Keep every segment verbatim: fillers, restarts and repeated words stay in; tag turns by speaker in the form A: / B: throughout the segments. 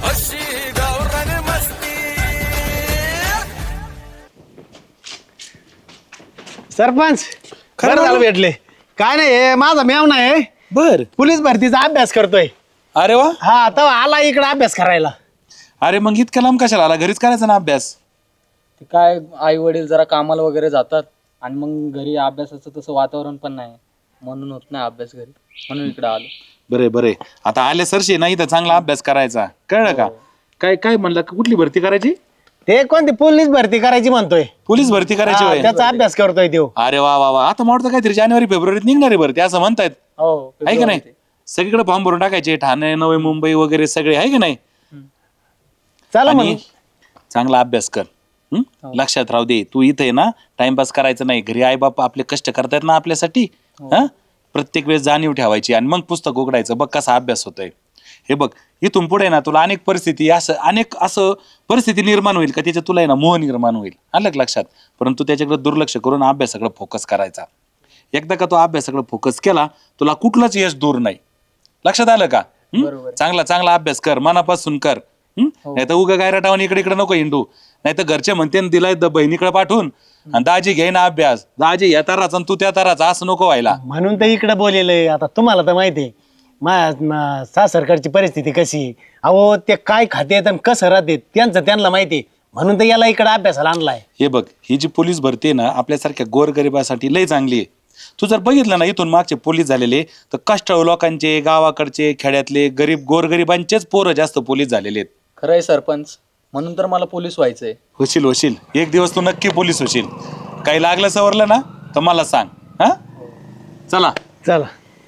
A: अशी गावरान मस्ती.
B: सरपंच खरं झालं भेटले. काय नाही हे माझा मेवना आहे,
C: बर.
B: पोलीस भरतीचा अभ्यास करतोय.
C: अरे वा.
B: हा आता आला इकडे अभ्यास करायला.
C: अरे मग इतक्या लांब कशाला आला? घरीच करायचा ना अभ्यास.
D: ते काय आई वडील जरा कामाला वगैरे जातात आणि मग घरी अभ्यासाचं तसं वातावरण पण नाही, म्हणून होत नाही अभ्यास घरी, म्हणून इकडे आलो.
C: बरे बरे, आता आले सरशी नाही तर चांगला अभ्यास करायचा, कळलं का? काय काय म्हणलं, कुठली भरती करायची?
B: ते कोणती पोलीस भरती करायची म्हणतोय.
C: पोलीस भरती करायची
B: हा,
C: होय?
B: त्याचा अभ्यास करतोय तो.
C: अरे वा वा वा, आता मला काहीतरी जानेवारी फेब्रुवारीत निघणारी भरती असं म्हणतायत,
D: हो
C: आहे का नाही? सगळीकडे फॉर्म भरून टाकायचे, ठाणे नवी मुंबई वगैरे सगळे, आहे का नाही?
B: चला
C: आणि
B: म्हणून
C: चांगला अभ्यास कर. हं? लक्षात राहू दे, तू इथे ना टाइमपास करायचं नाही. घरी आई बाप आपले कष्ट करतायत ना आपल्यासाठी, हा प्रत्येक वेळेस जाणीव ठेवायची आणि मग पुस्तक उघडायचं. बघ कसा अभ्यास होतोय. हे बघ इथून पुढे ना तुला अनेक परिस्थिती असं अनेक असं परिस्थिती निर्माण होईल का त्याच्यात तुला आहे ना मोह निर्माण होईल, आलं का लक्षात? परंतु त्याच्याकडे दुर्लक्ष करून अभ्यासाकडे फोकस करायचा. एकदा का तो अभ्यासाकडे फोकस केला तुला कुठलंच यश दूर नाही. लक्षात आलं का? हं? चांगला चांगला अभ्यास कर, मनापासून कर. नाही तर उगा गायराटावून इकडे इकडे नको हिंडू. नाही तर घरचे म्हणते ना तिला बहिणीकडे पाठवून आणि दाजी घे ना अभ्यास, दाजी या ताराचा आणि तू त्या ताराचा, असं नको व्हायला.
B: म्हणून तर इकडे बोलेलंय. आता तुम्हाला तर माहिती आहे माझ्या सासरकडची परिस्थिती कशी. अहो ते काय खातेत आणि कसं राहते त्यांचं त्यांना माहिती, म्हणून तर याला इकडे अभ्यासाला आणलाय.
C: हे बघ, ही जी पोलीस भरती आहे ना आपल्यासारख्या गोरगरिबासाठी लय चांगली आहे. तू जर बघितलं ना इथून मागचे पोलीस झालेले तर कष्टाळू लोकांचे, गावाकडचे, खेड्यातले गरीब गोरगरिबांचेच पोरं जास्त पोलीस झालेले आहेत.
D: खरंय सरपंच, म्हणून तर मला पोलीस व्हायचंय.
C: होशील होशील, एक दिवस तू नक्की पोलीस होशील. काही लागलं सवरलं ना तर मला सांग. हा चला
B: चला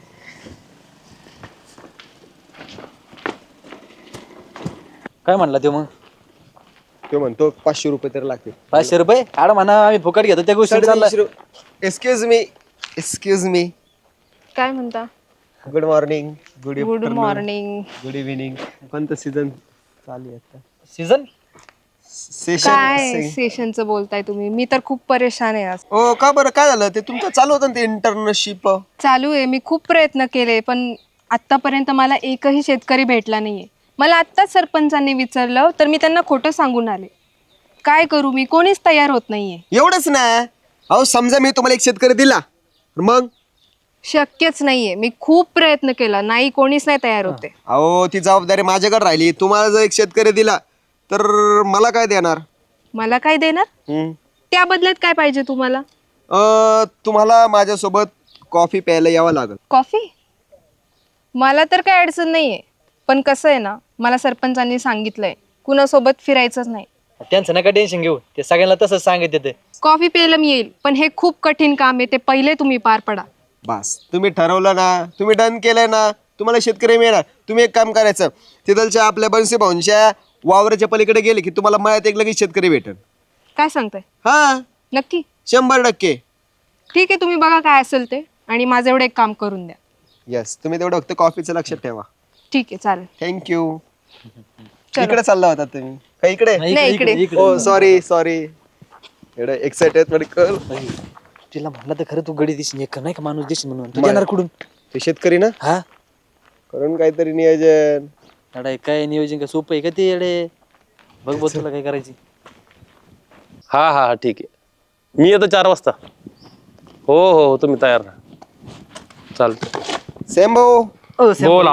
D: काय म्हणला ते मग?
E: तो म्हणतो पाचशे रुपये तर लागतील.
D: पाचशे रुपये आड म्हणा, आम्ही फुकट घेतो त्या गोष्टी. चाललं
E: एक्सक्यूज मी एक्सक्यूज मी
F: काय म्हणता?
E: Good morning, good
F: good morning.
E: Good evening. कोणतं सीझन चालू आहे आता?
D: सीझन
F: काय
E: सेशन.
F: सेशनचं बोलताय तुम्ही? मी तर खूप परेशान आहे आज.
E: ओ का बरं, काय झालं? ते तुमचं चालू होतं ना ते इंटर्नशिप.
F: चालू आहे, मी खूप प्रयत्न केले पण आतापर्यंत मला एकही शेतकरी भेटला नाहीये. मला आत्ताच सरपंचांनी विचारलं तर मी त्यांना खोटं सांगून आले. काय करू मी? कोणीच तयार होत नाहीये.
E: एवढंच ना? अहो समजा मी तुम्हाला एक शेतकरी दिला, मग
F: शक्यच नाहीये. मी खूप प्रयत्न केला, नाही कोणीच नाही तयार होते.
E: अहो ती जबाबदारी माझ्याकडे राहिली. तुम्हाला जर एक शेतकरी दिला तर मला काय देणार?
F: मला काय देणार?
E: हम्म.
F: त्या बदल्यात काय पाहिजे तुम्हाला?
E: अं, तुम्हाला माझ्यासोबत कॉफी प्यायला यावं लागेल.
F: कॉफी? मला तर काय अडचण नाहीये, पण कसं आहे ना, मला सरपंचांनी सांगितलंय कुणासोबत फिरायचंच नाही.
D: त्यांचं नका टेन्शन घेऊ, ते सगळ्यांना तसंच सांगत येते.
F: कॉफी प्यायला मी येईल, पण हे खूप कठीण काम आहे, ते पहिले तुम्ही पार पडा.
E: बस तुम्ही ठरवलं ना, तुम्ही डन केलंय ना, तुम्हाला शेतकरी मिळणार. तुम्ही एक काम करायचं, तिथलच्या आपल्या बनसी भाऊंच्या वावराच्या पलीकडे गेले की तुम्हाला मळ्यात एक लगेच शेतकरी भेटेल.
F: काय सांगताय?
E: हा
F: नक्की?
E: शंभर टक्के.
F: ठीक आहे, तुम्ही बघा काय असेल ते आणि माझं एवढं एक काम करून द्या.
E: येस, तुम्ही तेवढं फक्त कॉफीचं लक्षात ठेवा.
F: ठीक आहे, चालेल.
E: थँक्यू.
F: चला.
E: इकडे चालला होता तुम्ही का? इकडे?
F: नाही, इकडे.
E: हो सॉरी सॉरी, एवढं एक्साइटेड कर.
D: तिला म्हणलं तर खरं तू गडी दिसशील, एक नाही का माणूस दिसशील म्हणून. तू येणार कुठून?
E: ते शेतकरी ना,
D: हा
E: करून काहीतरी नियोजन.
D: अडे काय नियोजन का सोपं आहे का ते? अडे बघ बघ तुला काय करायची.
G: हा हा हा ठीक आहे, मी येतो चार वाजता. हो हो हो, तुम्ही तयार राहा. चालतं.
E: सेम भाऊ
G: बोला.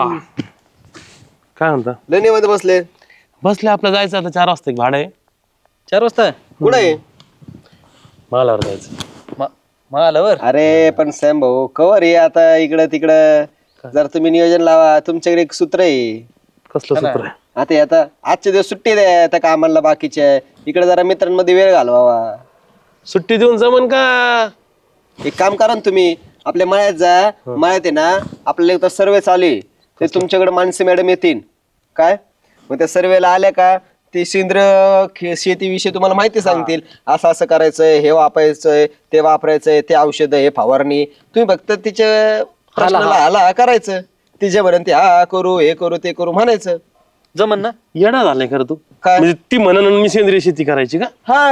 G: काय म्हणता?
E: लेणीमध्ये बसले.
G: बसले, आपलं जायचं आता चार वाजता. एक भाडं आहे.
D: चार वाजता
E: कुठे आहे?
G: मालावर जायचं.
D: मग आल्यावर
E: अरे पण सॅम भाऊ कवर आहे आता इकडं तिकडं. जर तुम्ही नियोजन लावा, तुमच्याकडे एक सूत्र आहे.
G: कसलं सूत्र आहे?
E: आता आता आजचे दिवस सुट्टी द्या आता कामाला बाकीच्या, इकडे जरा मित्रांमध्ये वेळ घालवावा.
G: सुट्टी देऊन जमन का?
E: एक काम करा ना तुम्ही, आपल्या मळ्यात जा. मळ्यात आहे ना आपल्याला एक सर्वे चालू आहे, ते तुमच्याकडे मानसी मॅडम येतील काय. मग त्या सर्वेला आल्या का ते सेंद्रिय शेतीविषयी तुम्हाला माहिती सांगतील. असं असं करायचंय, हे वापरायचंय, ते वापरायचंय, ते औषध, हे फवारणी. तुम्ही फक्त तिच्या प्रश्नाला आला करायचं, तिच्यापर्यंत हा करू, हे करू, ते करू म्हणायचं.
D: जमन ना?
G: येडा झालाय खरं तू.
E: काय?
G: म्हणजे ती म्हणून मी सेंद्रिय शेती करायची का?
E: हा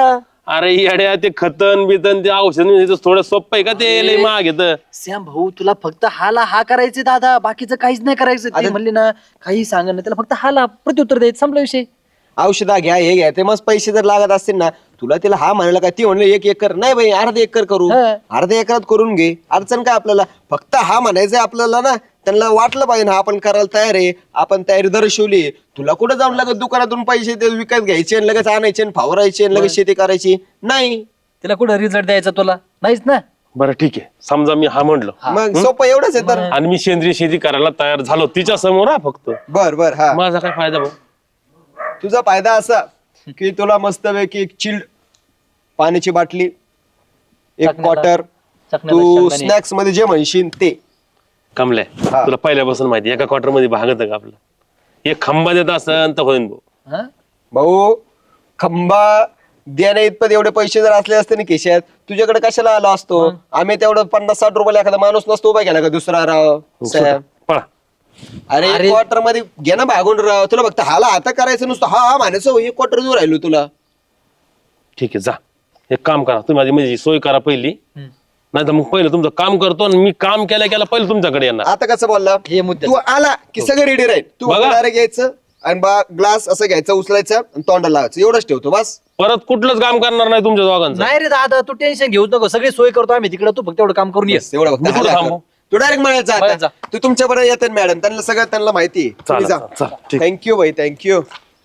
G: अरे येड्या ते खतन बितन ते औषध थोडं सोपं आहे का ते लय महाग येतं.
H: श्याम भाऊ तुला फक्त हाला हा करायचे दादा, बाकीचं काहीच नाही करायचं. ते म्हणले ना काही सांग ना, त्याला फक्त हाला प्रत्युत्तर द्यायचं, संपला विषय.
E: औषधा घ्या हे घ्या ते मस्त पैसे जर लागत असतील ना तुला तिला हा म्हणाला का ती म्हणलं एक एकर नाही बाई अर्धा एकर करू अर्ध्या एकरात करून घे अडचण काय आपल्याला फक्त हा म्हणायचंय आपल्याला ना त्यांना वाटलं पाहिजे ना आपण करायला तयार आहे आपण तयारी दर्शवली तुला कुठं जाऊन लगेच दुकानातून पैसे ते विकत घ्यायचे आणि लगेच आणायचे आणि फावरायचे आणि लगेच शेती करायची नाही
H: तिला कुठं रिझल्ट द्यायचा तुला नाहीच ना.
G: बरं ठीक आहे समजा मी हा म्हणलो
E: मग सोपं एवढंच आहे तर
G: आणि मी सेंद्रिय शेती करायला तयार झालो तिच्या समोर हा फक्त
E: बर बर हा
G: माझा काय फायदा भाऊ.
E: तुझा फायदा असा की तुला मस्तपैकी एक चिल्ड पाण्याची बाटली एक क्वार्टर तू स्नॅक्स मध्ये जे म्हणशील ते
G: कमल्या तुला पहिल्यापासून माहिती एका क्वार्टर मध्ये भागत का आपलं एक खंबा देत असन तर होईन भाऊ.
E: भाऊ खंबा देण्या इतपत एवढे पैसे जर असले असते ना खिशात तुझ्याकडे कशाला आलो असतो आम्ही तेवढं पन्नास साठ रुपयाला एखादा माणूस नसतो उभा केला का दुसरा राव साहेब
G: पळा
E: अरे एक क्वार्टर मध्ये घे ना भागून राव तुला फक्त हाला आता करायचं नुसतं हा हा म्हणायचं एक क्वार्टर दूर राहिलो तुला
G: ठीक आहे जा एक काम करा तुम्ही माझी म्हणजे सोय करा पहिली नाही तर मग पहिलं तुमचं काम करतो आणि मी काम केल्या केल्या पहिलं तुमच्याकडे येणार.
E: आता कसं बोलला
H: हे मुद्दे
E: तू आला की सगळं रेडी राहील तू
G: बघा.
E: डायरेक्ट घ्यायचं आणि बा ग्लास असं घ्यायचं उचलायचं आणि तोंडाला लावायचं एवढंच ठेवतो बस
G: परत कुठलंच काम करणार नाही तुमच्या दोघांचं.
H: नाही रे दादा तू टेन्शन घेऊ नको, सगळी सोय करतो आम्ही तिकडे, तू फक्त एवढं काम करून ये.
E: एवढं फक्त
G: मी कुठं
E: हाला
G: थांबू?
E: कर. तू डायरेक्ट म्हणायचं
H: मळ्यात
E: आता
H: जा.
E: तू तुमच्या बरोबर येतात मॅडम त्यांना सगळं त्यांना माहिती
G: चालेल, चालेल, चालेल, ठीक.
E: थँक्यू भाई थँक्यू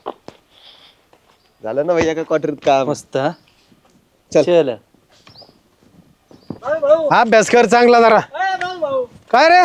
E: झालं ना भाई एका क्वार्टरीत काम
H: मस्त हा?
E: चल.
H: चल
B: अभ्यास कर चांगला जरा काय रे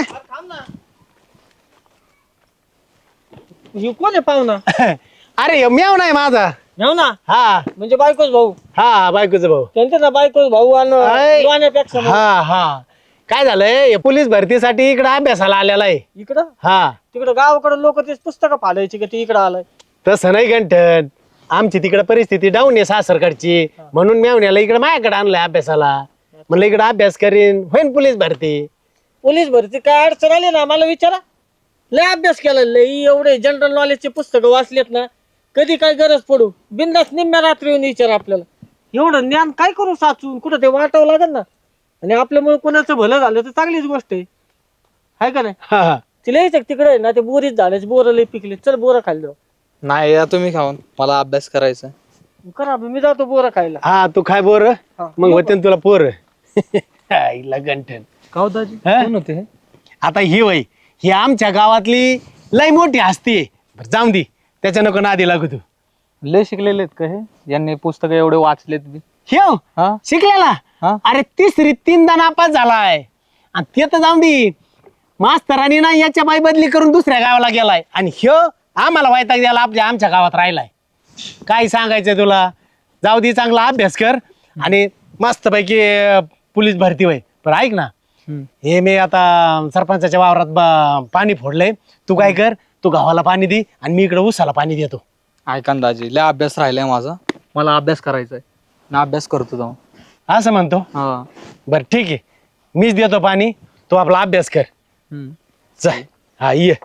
D: कोण आहे पाहुणा?
B: अरे मेव नाही माझा
D: घेऊ ना
B: हा
D: म्हणजे बायकोच भाऊ,
B: हा बायकोचा भाऊ
D: त्यांचा ना बायकोच भाऊ
B: अय.
D: आणि लोण्यापेक्षा भाऊ.
B: हा हा काय झालंय हे पोलीस भरतीसाठी इकडे अभ्यासाला आलेला आहे
D: इकडं
B: हा
D: तिकडं गावाकडे लोक तेच पुस्तकं फाडायची का ते इकडं आलाय.
B: तसं नाही गंठन आमची तिकडे परिस्थिती डाऊन आहे सासरकडची म्हणून मेवण्याला इकडे माझ्याकडे आणलंय अभ्यासाला म्हणलं इकडे अभ्यास करीन होईन पोलीस भरती.
D: पोलीस भरती काय अडचण आली ना मला विचारा, लय अभ्यास केला, लय एवढे जनरल नॉलेजचे पुस्तकं वाचलेत ना, कधी काय गरज पडू बिंदास निम्म्या रात्री येऊन विचारा आपल्याला. एवढं ज्ञान काय करू साचून कुठं ते वाटावं लागेल ना, आणि आपल्यामुळे कोणाचं भलं झालं तर चांगलीच गोष्ट आहे हाय का नाही.
B: हा, हा.
D: तिला यायचं तिकडे आहे ना ते बोरीच झाल्याचे बोरं लय पिकले, चल बोरं खायला जाऊ.
I: नाही या तुम्ही खाऊन, मला अभ्यास करायचा.
D: करा मी जातो बोरं खायला.
B: हा तू काय बोर मग होते ना तुला पोर आईला गंठन
D: गाव दाजी
B: हा?
D: कोण होते हे?
B: आता ही वय ही आमच्या गावातली लय मोठी हस्ती आहे. बरं, जाऊन दे त्याच्या नको नादी लागू तू.
D: लय शिकलेले आहेत का हे, यांनी पुस्तक एवढे वाचलेत बी.
B: ह्यो
D: हा?
B: शिकलेला
D: हा?
B: अरे तिसरी तीनदा नापास झालाय आणि ते तर जाऊन दे मास्तरांनी ना याच्या बाई बदली करून दुसऱ्या गावाला गेलाय आणि ह्यो आम्हाला वैताग द्यायला आपल्या आमच्या गावात राहिलाय. काय सांगायचंय तुला, जाऊ दे चांगला अभ्यास कर आणि मस्तपैकी अं, पोलीस भरती होय. बरं ऐक ना हे मी आता सरपंचाच्या वावरात ब- पाणी फोडलंय तू काय कर तू गावाला पाणी दे आणि मी इकडे उसाला पाणी देतो.
I: ऐका ना दाजी, लय अभ्यास राहिलाय माझा, मला अभ्यास करायचा आहे ना, अभ्यास करतो जाऊन.
B: असं म्हणतो
I: हा
B: बरं ठीक आहे मीच देतो पाणी तू आपला अभ्यास कर.
I: हम्म.
B: चल हा ये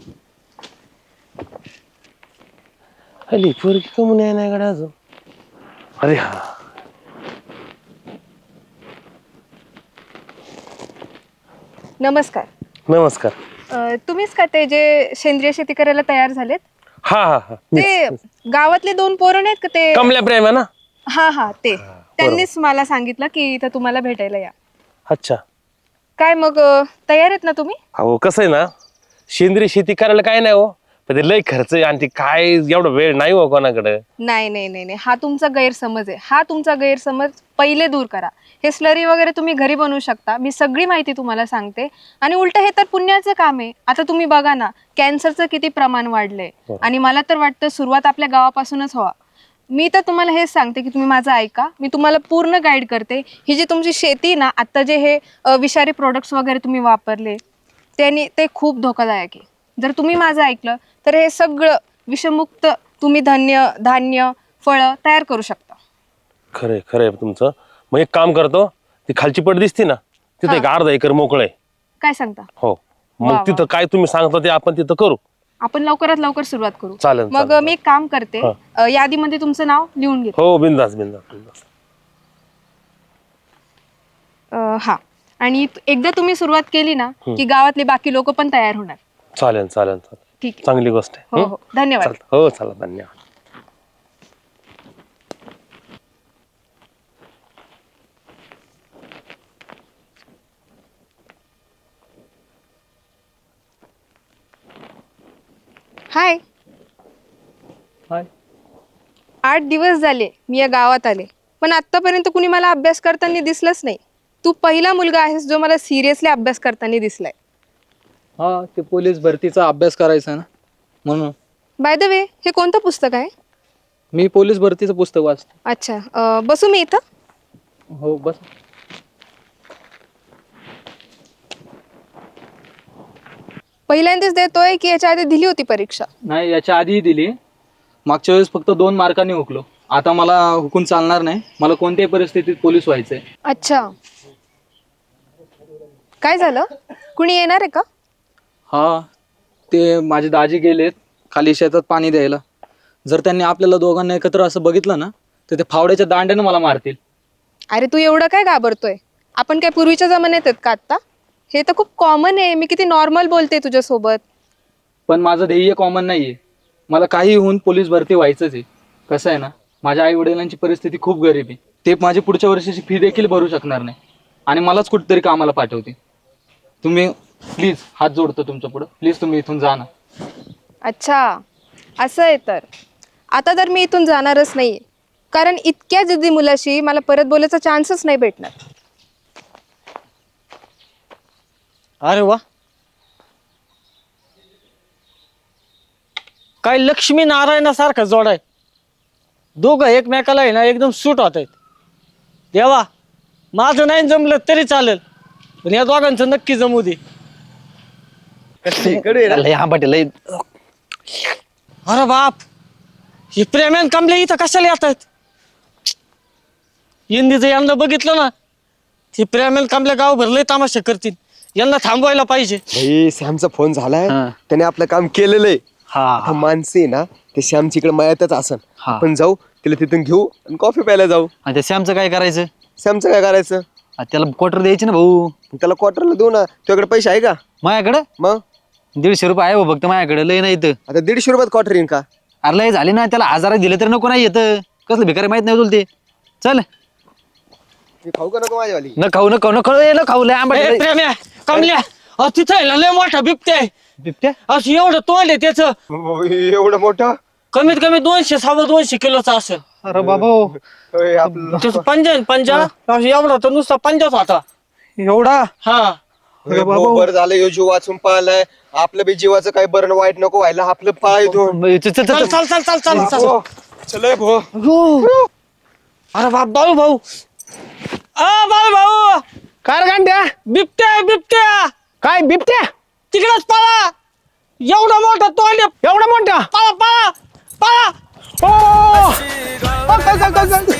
B: अली पोरगी कमून आहे ना गड्या अजून.
G: अरे हा
F: नमस्कार.
G: नमस्कार.
F: अं, तुम्हीच का ते जे सेंद्रिय शेती करायला तयार झालेत
G: हा हा हा
F: ते गावातले दोन पोरं नाहीत का ते?
G: कमल्या प्रेम आहे ना.
F: हा हा ते त्यांनीच मला सांगितलं की इथं तुम्हाला भेटायला या.
G: अच्छा
F: काय मग अं, तयार आहेत ना तुम्ही?
G: अहो कसं आहे ना सेंद्रिय शेती करायला काय नाही हो पण ते लय खर्च आहे आणि ते काय एवढा वेळ नाही हो कोणाकडे.
F: नाही नाही नाही नाही हा तुमचा गैरसमज आहे. हा तुमचा गैरसमज पहिले दूर करा. हे स्लरी वगैरे तुम्ही घरी बनवू शकता. मी सगळी माहिती तुम्हाला सांगते आणि उलट हे तर पुण्याचं काम आहे. आता तुम्ही बघा ना कॅन्सरचं किती प्रमाण वाढलंय आणि मला तर वाटतं सुरुवात आपल्या गावापासूनच व्हावा. मी तर तुम्हाला हेच सांगते की तुम्ही माझं ऐका. मी तुम्हाला पूर्ण गाईड करते. ही जी तुमची शेती ना आत्ता जे हे अ, विषारी प्रोडक्ट्स वगैरे तुम्ही वापरले त्यांनी ते खूप धोकादायक आहे. जर तुम्ही माझं ऐकलं तर हे सगळं विषमुक्त तुम्ही धान्य धान्य फळं तयार करू शकता.
G: खरंय खरंय तुमचं. मग एक काम करतो ती खालची पट दिसती ना तिथे एक अर्धा एकर मोकळं आहे.
F: काय सांगता?
G: हो
F: वा, वा.
G: मग तिथं काय तुम्ही सांगता ते आपण तिथं करू.
F: आपण लवकरात लवकर सुरुवात करू.
G: चालेल,
F: मग
G: चालेल.
F: मी एक काम करते
G: हा.
F: अ, यादीमध्ये तुमचं नाव लिहून घेते.
G: हो बिंदास बिंदास बिंदास.
F: अं, हा आणि एकदा तुम्ही सुरुवात केली ना की गावातले बाकी लोक पण तयार होणार.
G: चालेल चालेल चालेल
F: ठीक आहे.
G: चांगली गोष्ट आहे.
F: हो हो धन्यवाद.
G: चालतं. हो चला धन्यवाद.
F: हाय.
I: हाय.
F: आठ दिवस झाले मी या गावात आले पण आतापर्यंत कुणी मला अभ्यास करताना दिसलंच नाही. तू पहिला मुलगा आहेस जो मला सिरियसली अभ्यास करताना दिसलाय.
I: हा ते पोलीस भरतीचा अभ्यास करायचा ना म्हणून.
F: बाय द वे हे कोणतं पुस्तक आहे?
I: मी पोलीस भरतीचं पुस्तक वाचतो.
F: अच्छा अं, बसू मी इथं?
I: हो बस.
F: पहिल्यांदाच देतोय की याच्या आधी दिली होती परीक्षा?
I: नाही याच्या आधीही दिली. मागच्या वेळेस फक्त दोन मार्कांनी हुकलो. आता मला हुकून चालणार नाही. मला कोणत्याही परिस्थितीत पोलीस व्हायचंय.
F: अच्छा काय झालं? कुणी येणार आहे का?
I: हा ते माझे दाजी गेलेत खाली शेतात पाणी द्यायला. जर त्यांनी आपल्याला दोघांना एकत्र असं बघितलं ना तर ते फावड्याच्या दांड्यानं मला मारतील.
F: अरे तू एवढं काय घाबरतोय? आपण काय पूर्वीच्या जमान्यात आहेत का आत्ता? हे तर खूप कॉमन आहे. मी किती नॉर्मल बोलते तुझ्यासोबत.
I: पण माझं ध्येय कॉमन नाहीये. मला काही होऊन पोलीस भरती व्हायचंच आहे. कसं आहे ना माझ्या आई वडिलांची परिस्थिती खूप गरीब आहे. ते माझी पुढच्या वर्षाची फी देखील भरू शकणार नाही आणि मलाच कुठेतरी कामाला पाठवते. तुम्ही प्लीज हात जोडतो तुमच्या पुढं. प्लीज तुम्ही इथून जा ना.
F: अच्छा असं आहे तर आता तर मी इथून जाणारच नाहीये कारण इतक्या जिद्दी मुलाशी मला परत बोलायचा चान्सच नाही भेटणार.
D: अरे वा काय लक्ष्मी नारायणासारखं जोड आहे. दोघं एकमेकाला आहे ना एकदम सूट होत आहेत. देवा माझं नाही जमलं तरी चालेल पण या दोघांचं नक्की जमू दे.
B: लय आंबट आहे, लय.
D: अरे बाप हे प्रेमान कांबले इथं कशाला येत आहेत? इंदीचं यांना बघितलं ना हे प्रेमान कांबले गाव भरले तामाशे करतील. यांना थांबवायला पाहिजे.
E: भाई सॅमचा फोन झालाय. त्याने आपलं काम केलेलं आहे. आता माणसं आहे ना ते श्यामच्या इकडे मळ्यातच असन. आपण जाऊ तिला तिथून घेऊ आणि कॉफी प्यायला जाऊ.
H: आणि त्या सॅमचं काय करायचं?
E: श्यामचं काय करायचं?
H: आ, त्याला क्वार्टर द्यायचे ना भाऊ.
E: त्याला क्वार्टरला देऊ ना. तुझ्याकडे पैसे आहे का?
H: माझ्याकडे
E: मग
H: दीडशे रुपये आहे भाऊ फक्त माझ्याकडे. लय नाही इथं.
E: आता दीडशे रुपयात क्वार्टर येईन का?
H: अरे लय झाले ना. त्याला हजार दिले तर नको नाही येतं. कसलं भिकारी माहित नाही तुला ते. चल
E: मी खाऊ का नको माझ्यावाली?
H: न खाऊ न खाऊ न खाऊ न खाऊ लय आंबट
D: ए,
H: लय.
D: प्रेम्या कमल्या अहो तिथं आहे ना लय मोठा बिबट्या आहे.
H: बिबट्या?
D: असं एवढं तोंड आहे त्याचं.
E: एवढं मोठं?
D: कमीत कमी दोनशे सव्वा दोनशे किलोचा असेल.
B: अरे बाबा
E: होय, आपलं
D: त्याचं पंजा आहे ना, पंजा असं एवढा तर नुसता पंजाच होता.
B: एवढा?
D: हा
E: होय, भाऊ, बरं झालं ह्यो जीव वाचून पाहिलाय. आपलं बी जीवाचं काही बरं वाईट नको व्हायला. आपलं पाय धुवून
H: चल, चल, चल,
D: चल
H: चल.
D: चल चल चल चल चल.
E: चल भाऊ.
D: अरे बाप बाळू भाऊ आ बाळू भाऊ
B: कार गांड्या
D: बिबट्या आहे, बिबट्या
B: काय बिबट्या?
D: तिकडेच पळा. एवढा मोठा तोंड आहे.
B: एवढा मोठा?
D: पळा पळा पळा.
B: ओ! ओ, चल, चल, चल, चल.